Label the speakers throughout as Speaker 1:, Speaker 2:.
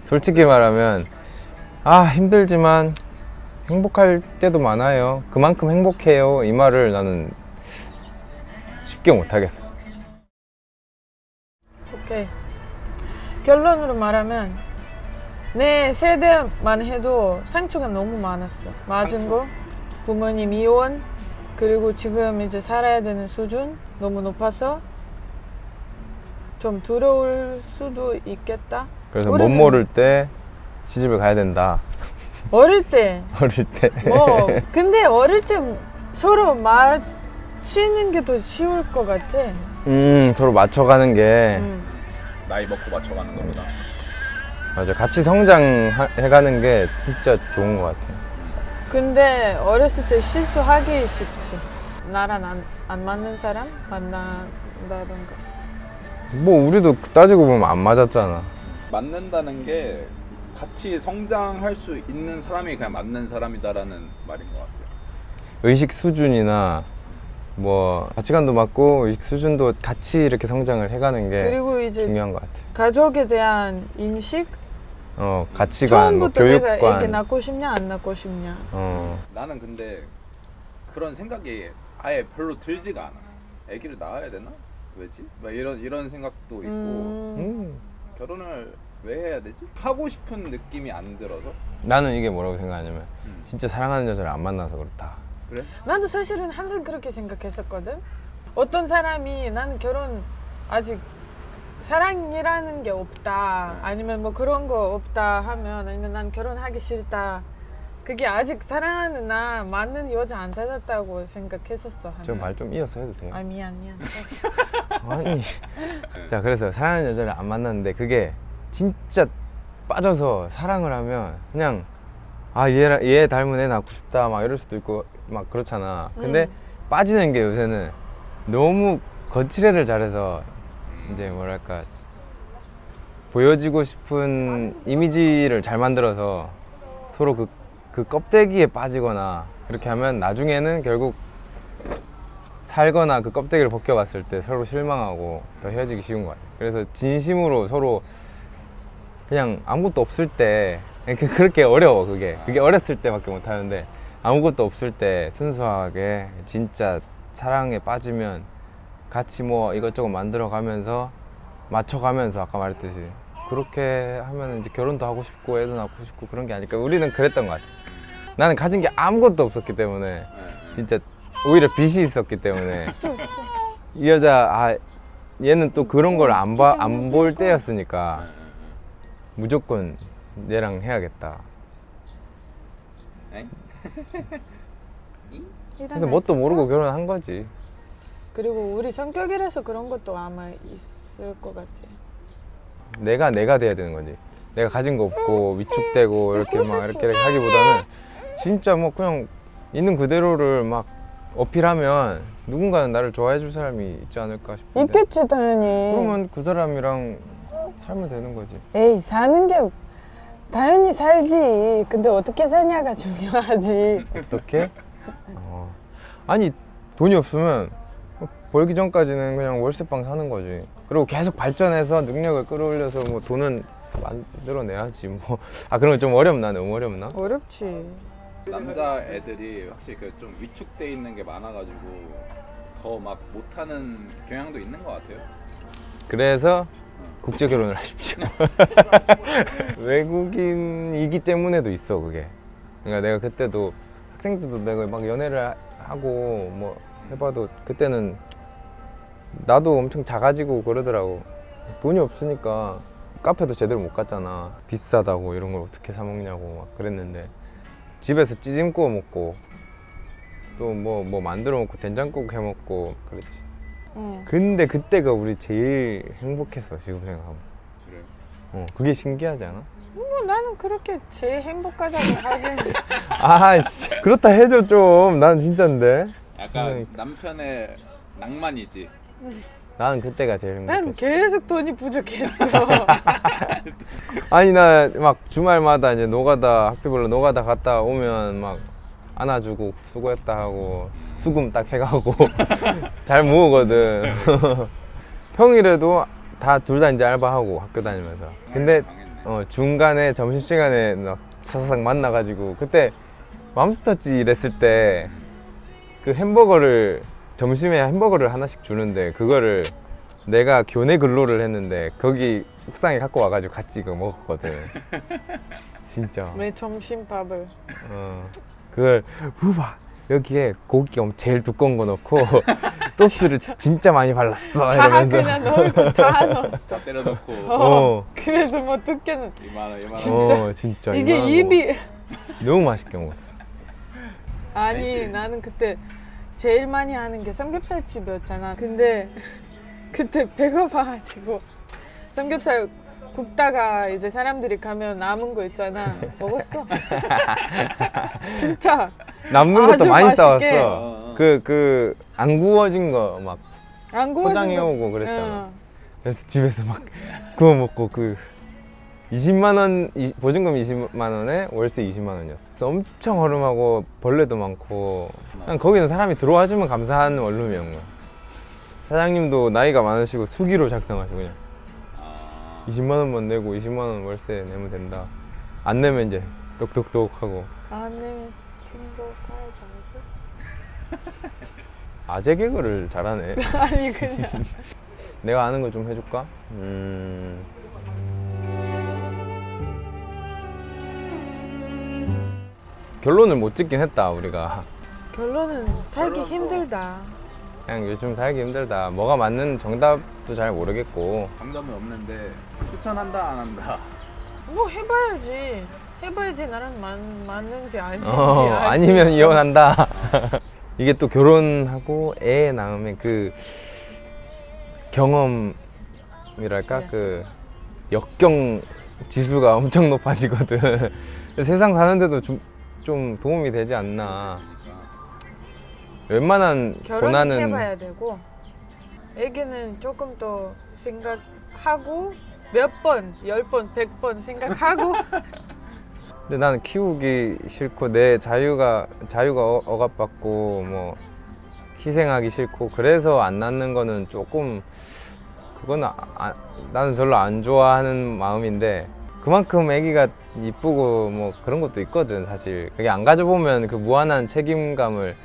Speaker 1: 솔직히 말하면 힘들지만 행복할 때도 많아요. 그만큼 행복해요. 이 말을 나는 쉽게 못하겠어.
Speaker 2: 오케이. 결론으로 말하면 내 세대만 해도 상처가 너무 많았어. 맞은 거, 부모님 이혼, 그리고 지금 이제 살아야 되는 수준 너무 높아서 좀 두려울 수도 있겠다.
Speaker 1: 그래서 못 모를 때 시집을 가야 된다.
Speaker 2: 어릴 때
Speaker 1: 어릴 때.
Speaker 2: 근데 어릴 때 서로 맞추는 게 더 쉬울 것 같아.
Speaker 1: 서로 맞춰가는 게
Speaker 3: 나이 먹고 맞춰가는 겁니다.
Speaker 1: 맞아. 같이 성장해가는 게 진짜 좋은 것 같아.
Speaker 2: 근데 어렸을 때 실수하기 쉽지. 나랑 안 맞는 사람 만난다던가.
Speaker 1: 뭐 우리도 따지고 보면 안 맞았잖아.
Speaker 3: 맞는다는 게 같이 성장할 수 있는 사람이 그냥 맞는 사람이다라는 말인 것 같아요.
Speaker 1: 의식 수준이나 뭐 가치관도 맞고 의식 수준도 같이 이렇게 성장을 해가는 게
Speaker 2: 그리고 이제
Speaker 1: 중요한 것 같아.
Speaker 2: 가족에 대한 인식,
Speaker 1: 가치관, 뭐
Speaker 2: 처음부터 내가
Speaker 1: 교육관.
Speaker 2: 이렇게 낳고 싶냐 안 낳고 싶냐.
Speaker 3: 나는 근데 그런 생각이 아예 별로 들지가 않아. 아기를 낳아야 되나? 왜지? 막 이런 생각도 있고 결혼을 왜 해야 되지? 하고 싶은 느낌이 안 들어서.
Speaker 1: 나는 이게 뭐라고 생각하냐면 진짜 사랑하는 여자를 안 만나서 그렇다.
Speaker 3: 그래?
Speaker 2: 나도 사실은 항상 그렇게 생각했었거든. 어떤 사람이 나는 결혼 아직 사랑이라는 게 없다, 아니면 뭐 그런 거 없다 하면, 아니면 난 결혼하기 싫다, 그게 아직 사랑하는 나 맞는 여자 안 찾았다고 생각했었어.
Speaker 1: 저
Speaker 2: 항상.
Speaker 1: 말 좀 이어서 해도 돼요?
Speaker 2: 미안.
Speaker 1: 아니. 자, 그래서 사랑하는 여자를 안 만났는데 그게 진짜 빠져서 사랑을 하면 그냥 얘 닮은 애 낳고 싶다 막 이럴 수도 있고 막 그렇잖아. 근데 빠지는 게 요새는 너무 거칠애를 잘해서 이제 뭐랄까 보여지고 싶은 이미지를 잘 만들어서 서로 그 껍데기에 빠지거나 그렇게 하면 나중에는 결국 살거나 그 껍데기를 벗겨봤을 때 서로 실망하고 더 헤어지기 쉬운 것 같아요. 그래서 진심으로 서로 그냥 아무것도 없을 때 그렇게 어려워. 그게 어렸을 때밖에 못하는데 아무것도 없을 때 순수하게 진짜 사랑에 빠지면 같이 뭐 이것저것 만들어가면서 맞춰가면서 아까 말했듯이 그렇게 하면 이제 결혼도 하고 싶고 애도 낳고 싶고 그런 게 아닐까. 우리는 그랬던 것 같아. 나는 가진 게 아무것도 없었기 때문에 진짜 오히려 빚이 있었기 때문에 이 여자 얘는 또 그런 걸 안 볼 때였으니까 무조건 얘랑 해야겠다. 그래서 뭣도 모르고 결혼한 거지.
Speaker 2: 그리고 우리 성격이라서 그런 것도 아마 있을 것 같아.
Speaker 1: 내가 돼야 되는 거지. 내가 가진 거 없고 위축되고 이렇게 막 이렇게 하기보다는 진짜 뭐 그냥 있는 그대로를 막 어필하면 누군가는 나를 좋아해 줄 사람이 있지 않을까 싶은데.
Speaker 2: 있겠지 당연히.
Speaker 1: 그러면 그 사람이랑 살면 되는 거지.
Speaker 2: 에이, 사는 게 당연히 살지. 근데 어떻게 사냐가 중요하지.
Speaker 1: 어떻게? 아니 돈이 없으면 벌기 전까지는 그냥 월세방 사는 거지. 그리고 계속 발전해서 능력을 끌어올려서 뭐 돈은 만들어내야지 뭐. 그런 건 좀 어렵나? 너무 어렵나?
Speaker 2: 어렵지.
Speaker 3: 남자 애들이 확실히 그 좀 위축돼 있는 게 많아가지고 더 막 못하는 경향도 있는 것 같아요.
Speaker 1: 그래서 국제 결혼을 하십시오. 외국인이기 때문에도 있어 그게. 그러니까 내가 그때도 학생 때도 내가 막 연애를 하고 뭐 해봐도 그때는 나도 엄청 작아지고 그러더라고. 돈이 없으니까 카페도 제대로 못 갔잖아. 비싸다고 이런 걸 어떻게 사 먹냐고 막 그랬는데 집에서 찌짐 구워 먹고 또 뭐 만들어 먹고 된장국 해 먹고 그랬지. 근데 그때가 우리 제일 행복했어 지금 생각하면.
Speaker 3: 그래요?
Speaker 1: 그게 신기하지 않아?
Speaker 2: 나는 그렇게 제일 행복하다고 하긴.
Speaker 1: 씨, 그렇다 해줘 좀. 난 진짠데.
Speaker 3: 약간 남편의 낭만이지.
Speaker 1: 나는 그때가 제일 행복했어.
Speaker 2: 난 계속 돈이 부족했어.
Speaker 1: 아니 나 막 주말마다 이제 노가다 학교별로 노가다 갔다 오면 막 안아주고 수고했다 하고 수금 딱 해가고 잘 모으거든. 평일에도 둘 다 이제 알바하고 학교 다니면서. 근데
Speaker 3: 당했네.
Speaker 1: 중간에 점심시간에 막 사사삭 만나가지고 그때 맘스터치 일했을 때 그 햄버거를 점심에 햄버거를 하나씩 주는데 그거를 내가 교내 근로를 했는데 거기 옥상에 갖고 와가지고 같이 그거 먹었거든. 진짜.
Speaker 2: 왜 점심밥을?
Speaker 1: 그걸 후바 여기에 고기 제일 두꺼운 거 넣고 소스를 진짜 많이 발랐어
Speaker 2: 다
Speaker 1: 이러면서.
Speaker 2: 그냥 넣을 거 다 넣었어.
Speaker 3: 다 때려놓고
Speaker 2: 그래서 뭐 두께는
Speaker 3: 이만원
Speaker 2: 진짜.
Speaker 1: 진짜
Speaker 2: 이게
Speaker 1: 이만한
Speaker 2: 입이
Speaker 1: 거 너무 맛있게 먹었어.
Speaker 2: 아니
Speaker 3: 알지?
Speaker 2: 나는 그때 제일 많이 하는 게 삼겹살 집이었잖아. 근데 그때 배고파가지고 삼겹살 굽다가 이제 사람들이 가면 남은 거 있잖아. 먹었어. 진짜.
Speaker 1: 남는 것도
Speaker 2: 아주
Speaker 1: 많이
Speaker 2: 맛있게.
Speaker 1: 싸왔어. 그 안 구워진 거 막
Speaker 2: 안 구워진
Speaker 1: 포장해
Speaker 2: 거.
Speaker 1: 오고 그랬잖아.
Speaker 2: 응.
Speaker 1: 그래서 집에서 막 구워 먹고 그 20만 원 보증금 20만 원에 월세 20만 원이었어. 그래서 엄청 허름하고 벌레도 많고 그냥 거기는 사람이 들어와 주면 감사한 원룸이었는 거야. 사장님도 나이가 많으시고 수기로 작성하시고 그냥 20만 원만 내고 20만 원 월세 내면 된다. 안 내면 이제 똑똑똑 하고.
Speaker 2: 안 내면 친구 가야지.
Speaker 1: 아재 개그를 잘하네.
Speaker 2: 아니 그냥.
Speaker 1: 내가 아는 거 좀 해줄까? 결론을 못 짓긴 했다 우리가.
Speaker 2: 결론은 살기
Speaker 3: 결론은
Speaker 2: 힘들다.
Speaker 1: 그냥 요즘 살기 힘들다. 뭐가 맞는 정답도 잘 모르겠고.
Speaker 3: 정답은 없는데 추천한다 안 한다.
Speaker 2: 뭐 해봐야지. 해봐야지 나랑 맞는지 아닌지
Speaker 1: 아니면 이혼한다. 이게 또 결혼하고 애 낳으면 그 경험이랄까
Speaker 2: 네.
Speaker 1: 그 역경 지수가 엄청 높아지거든. 세상 사는데도 좀 도움이 되지 않나. 웬만한
Speaker 2: 결혼은
Speaker 1: 고난은
Speaker 2: 해봐야 되고 애기는 조금 더 생각하고 몇 번, 10번, 100번 생각하고
Speaker 1: 근데 나는 키우기 싫고 내 자유가 억압받고 뭐 희생하기 싫고 그래서 안 낳는 거는 조금 그건 나는 별로 안 좋아하는 마음인데 그만큼 아기가 이쁘고 뭐 그런 것도 있거든 사실. 그게 안 가져보면 그 무한한 책임감도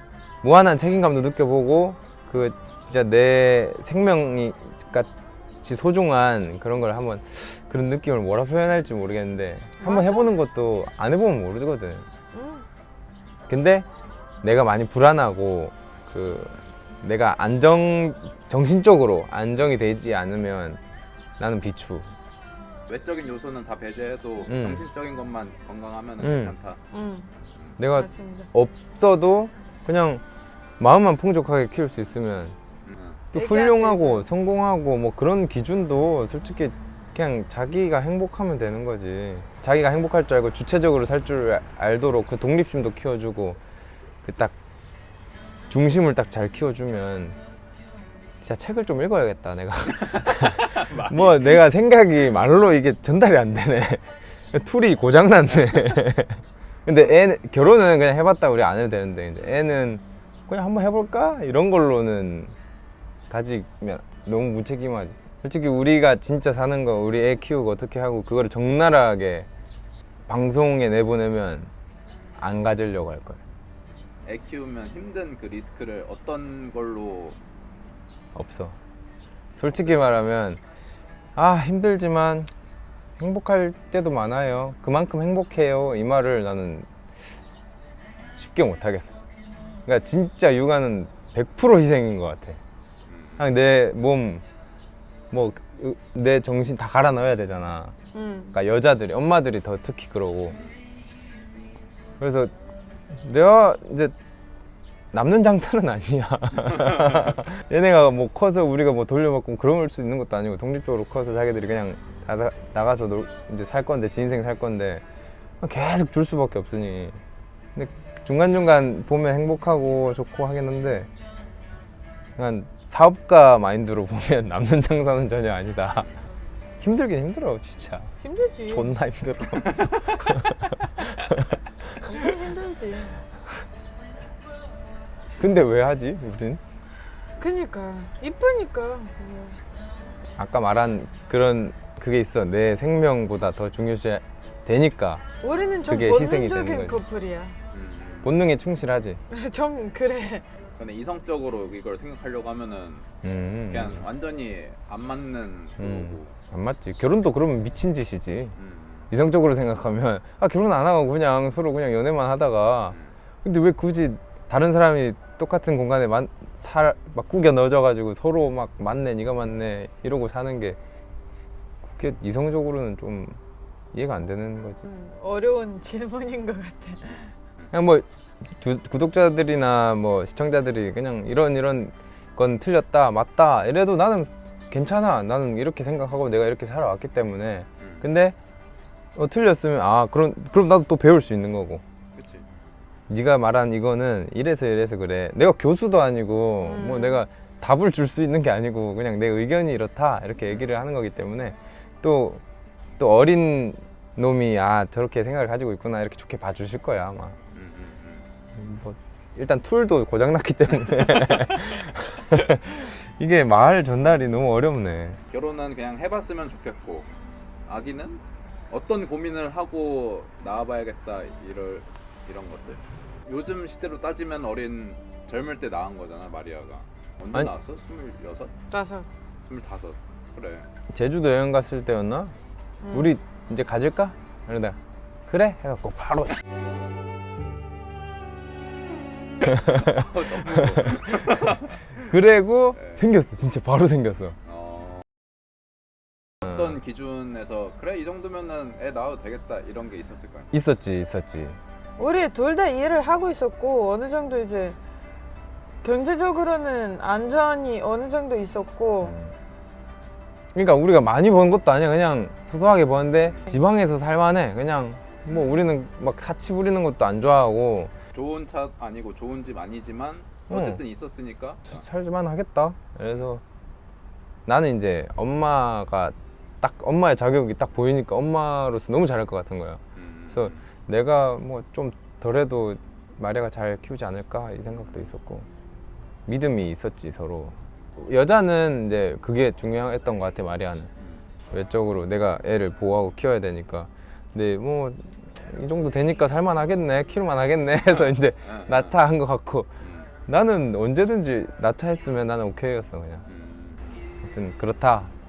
Speaker 1: 느껴보고 그 진짜 내 생명이 같이 소중한 그런 걸 한번 그런 느낌을 뭐라 표현할지 모르겠는데 한번
Speaker 2: 맞아.
Speaker 1: 해보는 것도 안 해보면 모르거든. 근데 내가 많이 불안하고 그 내가 정신적으로 안정이 되지 않으면 나는 비추.
Speaker 3: 외적인 요소는 다 배제해도 정신적인 것만 건강하면 괜찮다.
Speaker 1: 내가
Speaker 2: 맞습니다.
Speaker 1: 없어도 그냥 마음만 풍족하게 키울 수 있으면 또
Speaker 2: 애기한테
Speaker 1: 훌륭하고
Speaker 2: 이제-
Speaker 1: 성공하고 뭐 그런 기준도 솔직히 그냥 자기가 행복하면 되는 거지. 자기가 행복할 줄 알고 주체적으로 살 줄 알도록 그 독립심도 키워주고 그 딱 중심을 딱 잘 키워주면 진짜 책을 좀 읽어야겠다 내가. 뭐 내가 생각이 말로 이게 전달이 안 되네. 툴이 고장났네. 근데 결혼은 그냥 해봤다 우리 안 해도 되는데 이제 애는 그냥 한번 해볼까? 이런 걸로는 가지면 너무 무책임하지. 솔직히 우리가 진짜 사는 거 우리 애 키우고 어떻게 하고 그거를 적나라하게 방송에 내보내면 안 가지려고 할 거야.
Speaker 3: 애 키우면 힘든 그 리스크를 어떤 걸로
Speaker 1: 없어. 솔직히 말하면 힘들지만 행복할 때도 많아요. 그만큼 행복해요. 이 말을 나는 쉽게 못 하겠어. 그러니까 진짜 육아는 100% 희생인 것 같아. 그냥 내 몸, 내 정신 다 갈아 넣어야 되잖아. 그러니까 여자들이, 엄마들이 더 특히 그러고. 그래서 내가 이제 남는 장사는 아니야. 얘네가 뭐 커서 우리가 뭐 돌려받고 그럴 수 있는 것도 아니고 독립적으로 커서 자기들이 그냥 나가서 이제 살 건데 지 인생 살 건데 계속 줄 수밖에 없으니. 근데 중간중간 보면 행복하고 좋고 하겠는데 그냥 사업가 마인드로 보면 남는 장사는 전혀 아니다. 힘들긴 힘들어 진짜.
Speaker 2: 힘들지.
Speaker 1: 존나 힘들어.
Speaker 2: 엄청 힘들지.
Speaker 1: 근데 왜 하지 우린?
Speaker 2: 그니까 이쁘니까.
Speaker 1: 아까 말한 그런 그게 있어. 내 생명보다 더 중요시 되니까
Speaker 2: 우리는 좀
Speaker 1: 그게 희생이 되는
Speaker 2: 본능적인
Speaker 1: 거지.
Speaker 2: 커플이야.
Speaker 1: 본능에 충실하지.
Speaker 2: 좀 그래.
Speaker 3: 근데 이성적으로 이걸 생각하려고 하면은 그냥 완전히 안 맞는 거고.
Speaker 1: 안 맞지. 결혼도 그러면 미친 짓이지. 이성적으로 생각하면 아 결혼 안 하고 그냥 서로 그냥 연애만 하다가 근데 왜 굳이 다른 사람이 똑같은 공간에 막 구겨 넣어져가지고 서로 막 맞네 네가 맞네 이러고 사는 게 그게 이성적으로는 좀 이해가 안 되는 거지.
Speaker 2: 어려운 질문인 것 같아.
Speaker 1: 그냥 뭐 구독자들이나 뭐 시청자들이 그냥 이런 건 틀렸다 맞다 이래도 나는 괜찮아. 나는 이렇게 생각하고 내가 이렇게 살아왔기 때문에. 근데 틀렸으면 아 그럼 나도 또 배울 수 있는 거고.
Speaker 3: 그치.
Speaker 1: 네가 말한 이거는 이래서 그래. 내가 교수도 아니고 뭐 내가 답을 줄 수 있는 게 아니고 그냥 내 의견이 이렇다 이렇게 얘기를 하는 거기 때문에 또 어린 놈이 아 저렇게 생각을 가지고 있구나 이렇게 좋게 봐주실 거야 아마. 뭐 일단 툴도 고장났기 때문에 이게 말 전달이 너무 어렵네.
Speaker 3: 결혼은 그냥 해봤으면 좋겠고 아기는 어떤 고민을 하고 낳아봐야겠다 이런 것들. 요즘 시대로 따지면 젊을 때 낳은 거잖아 마리아가. 언제
Speaker 1: 아니,
Speaker 3: 낳았어? 26? 25? 그래.
Speaker 1: 제주도 여행 갔을 때였나? 우리 이제 가질까? 이러다가 그래? 해갖고 바로 그래고
Speaker 3: 네.
Speaker 1: 생겼어. 진짜 바로 생겼어.
Speaker 3: 어떤 기준에서 그래 이 정도면은 애 낳아도 되겠다 이런 게 있었을 거야.
Speaker 1: 있었지.
Speaker 2: 우리 둘 다 일을 하고 있었고 어느 정도 이제 경제적으로는 안전이 어느 정도 있었고
Speaker 1: 그러니까 우리가 많이 번 것도 아니야. 그냥 소소하게 버는데 지방에서 살만해. 그냥 뭐 우리는 막 사치 부리는 것도 안 좋아하고
Speaker 3: 좋은 차 아니고 좋은 집 아니지만 어쨌든 있었으니까.
Speaker 1: 살만 하겠다. 그래서 나는 이제 엄마가 딱 엄마의 자격이 딱 보이니까 엄마로서 너무 잘할 것 같은 거야. 그래서 내가 뭐 좀 덜해도 마리아가 잘 키우지 않을까 이 생각도 있었고 믿음이 있었지 서로. 여자는 이제 그게 중요했던 것 같아. 마리아는 외적으로 내가 애를 보호하고 키워야 되니까. 근데 뭐 이 정도 되니까 살만 하겠네 키울만 하겠네 해서 이제 낳자한 것 같고 나는 언제든지 낳자 했으면 나는 오케이였어 그냥. 하여튼 그렇다.